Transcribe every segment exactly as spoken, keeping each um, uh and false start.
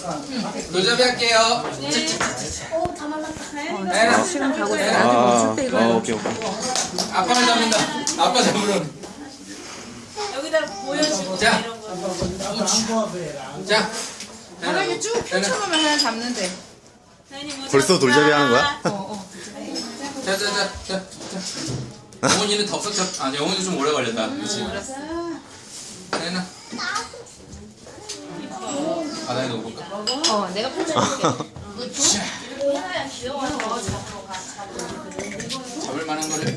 돌잡이 할게요. 오, 다 말랐다. 나연아. 시간 가고 있어. 나연아. 나한테 멈출 때 이거 아, 해라. 오케이, 오케이. 아빠를 잡는다. 아빠 잡으러. 여기다 보여주고 자. 이런 거. 자. 바닥에 쭉 펼쳐놓으면 그냥 잡는데. 벌써 돌잡이 하는 거야? 어, 어. 자, 자, 자, 자, 자. 영훈이는 덥석 잡. 아, 영훈이 좀 오래 걸렸다. 그렇지. 나연아. 아, 나연아 볼까? 어, 내가 펼쳐줄게. 잡을 만한 거를.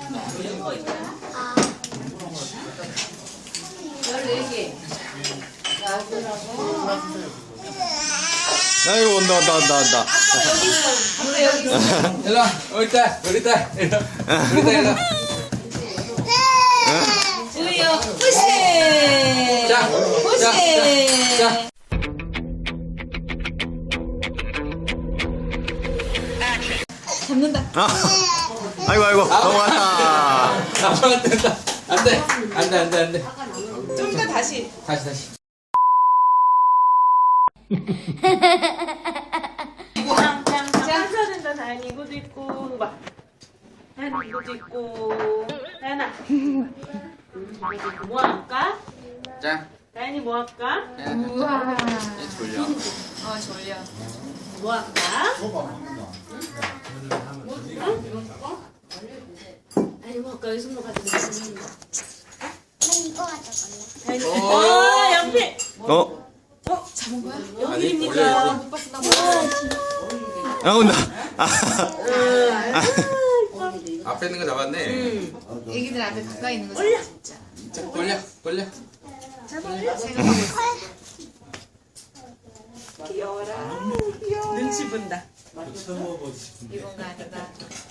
아이고, 온다, 온다, 온다, 온다. 일로 와. 여기 있다. 여기 있다. 일로 와. 여기 있다. 일로 와. 우리요 푸시. 자. 푸시. 자. 자. 자. 잡는다. 아, 아이고, 아이고, 넘어갔다. 아빠가 된다. 안 돼. 안 돼, 안 돼, 안 돼. 좀 이따 다시. 다시, 다시. 자, 된다. 다현이 이것도 있고 봐. 다현이 이것도 있고. 다현아. 이것도 있고. 뭐 할까? 자. 다현이 뭐 할까? 우와. 얘 졸려. 어, 졸려. 뭐 할까? 다현이 뭐 할까? 여기 손으로 가지고. 난 이거 가져갈래. 다현이. 오. 어, 연필. 어? 어, 잡은 거야? 연필입니까? 못 봤어, 나 못 봤어. 아, 온다. 아, 앞에 있는 거 잡았네. 애기들 앞에 가까이 있는 거 잡아, 진짜. 자, 돌려, 돌려. 생각하고 있어. 눈치 본다. 이건가 아닌가.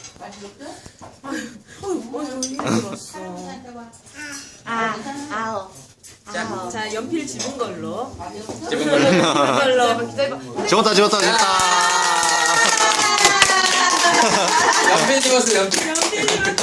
아, 아오. 자, 자, 연필 집은 걸로. 집은 걸로. 집은 걸로. 기다려봐. 집었다, 집었다, 집었다. 연필 집었어, 연필. 연필 집은